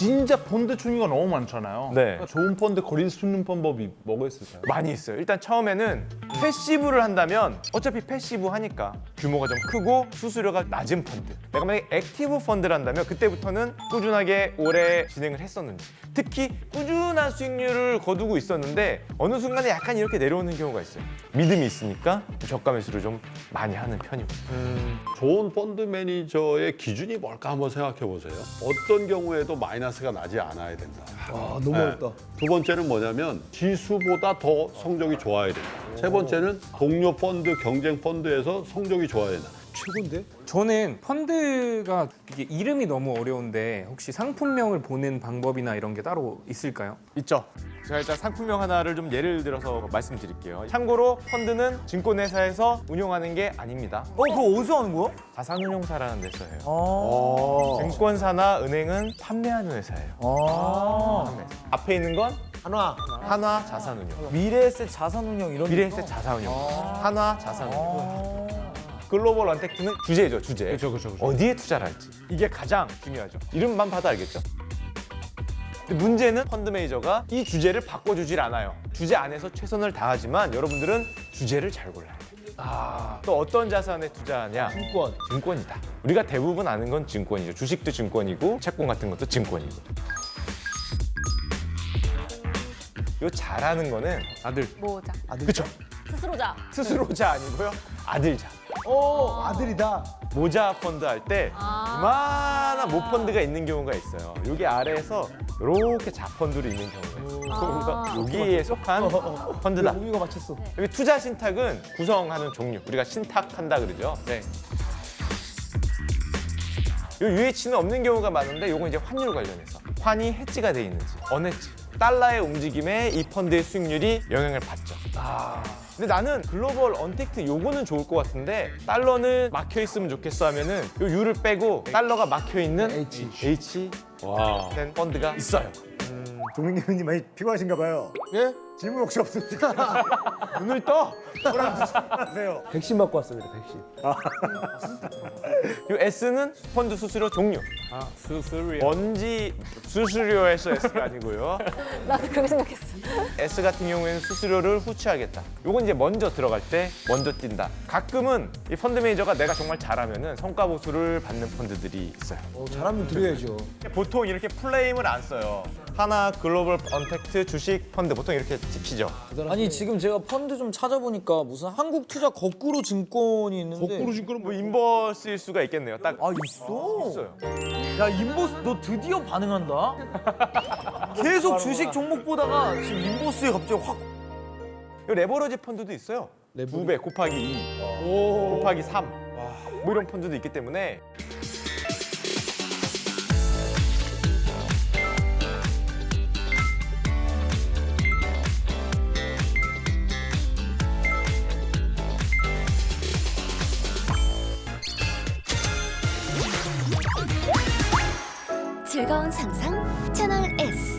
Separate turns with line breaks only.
진짜 펀드 종류가 너무 많잖아요.
네.
그러니까 좋은 펀드 거릴 수 있는 방법이 뭐가 있을까요?
많이 있어요. 일단 처음에는 패시브를 한다면 어차피 패시브 하니까 규모가 좀 크고 수수료가 낮은 펀드. 내가 만약에 액티브 펀드를 한다면 그때부터는 꾸준하게 오래 진행을 했었는지, 특히 꾸준한 수익률을 거두고 있었는데 어느 순간에 약간 이렇게 내려오는 경우가 있어요. 믿음이 있으니까 저가 매수를 좀 많이 하는 편이고.
좋은 펀드 매니저의 기준이 뭘까 한번 생각해 보세요. 어떤 경우에도 마이너스가 나지 않아야 된다.
아, 너무 어렵다.
두 번째는 뭐냐면 지수보다 더 성적이 좋아야 된다. 세 번째는 동료 펀드, 경쟁 펀드에서 성적이 좋아야 된다.
최고인데?
저는 펀드가 이게 이름이 너무 어려운데 혹시 상품명을 보는 방법이나 이런 게 따로 있을까요?
있죠. 제가 일단 상품명 하나를 좀 예를 들어서 말씀드릴게요. 참고로 펀드는 증권회사에서 운용하는 게 아닙니다.
그거 어디서 하는 거야?
자산운용사라는 데서 해요.
아.
증권사나 은행은 판매하는 회사예요. 판매사. 앞에 있는 건 한화 자산운용,
미래에셋 자산운용 이런
미래에셋 자산운용, 한화 자산운용. 글로벌 언택트는 주제죠, 주제.
그렇죠.
어디에 투자를 할지. 이게 가장 중요하죠. 이름만 봐도 알겠죠? 근데 문제는 펀드 매니저가 이 주제를 바꿔주질 않아요. 주제 안에서 최선을 다하지만 여러분들은 주제를 잘 골라야 돼요. 또 어떤 자산에 투자하냐?
증권.
증권이다. 우리가 대부분 아는 건 증권이죠. 주식도 증권이고 채권 같은 것도 증권이고. 요 잘하는 거는
아들.
모자.
그쵸?
스스로자.
스스로자 아니고요. 아들자.
아들이다.
모자 펀드 할 때 그만한 모펀드가 있는 경우가 있어요. 여기 아래에서 이렇게 자펀드로 있는 경우가 있어요. 여기에 속한 펀드다.
우리가 맞췄어.
여기 투자 신탁은 구성하는 종류. 우리가 신탁한다 그러죠.
네.
요 UH는 없는 경우가 많은데 요건 이제 환율 관련해서 환이 해지가 돼 있는지 언해지 달러의 움직임에 이 펀드의 수익률이 영향을 받죠. 근데 나는 글로벌 언택트 요거는 좋을 것 같은데 달러는 막혀 있으면 좋겠어 하면은 요 U를 빼고 달러가 막혀 있는 H 된 펀드가 있어요.
동민님 많이 피곤하신가 봐요.
예?
질문 혹시 없습니까?
눈을 떠.
하세요.
백신 맞고 왔습니다. 백신.
요 S는 펀드 수수료 종류.
수수료.
뭔지 수수료에서 S가 아니고요.
나도 그렇게 생각했어.
S 같은 경우에는 수수료를 후취하겠다. 요건 이제 먼저 들어갈 때 먼저 뛴다. 가끔은 이 펀드 매니저가 내가 정말 잘하면은 성과 보수를 받는 펀드들이 있어요.
잘하면 드려야죠.
보통 이렇게 플레임을 안 써요. 하나 글로벌 언택트 주식 펀드 보통 이렇게 찍히죠.
아니 지금 제가 펀드 좀 찾아보니까 무슨 한국투자 거꾸로 증권이 있는데
증권은
뭐 인버스일 수가 있겠네요. 딱
아 있어?
있어요.
야 인보스 너 드디어 반응한다? 계속 주식 종목 보다가 지금 인보스에 갑자기 확
이 레버러지 펀드도 있어요. 2배 곱하기 2 곱하기 3 뭐 이런 펀드도 있기 때문에
즐거운 상상 채널 S.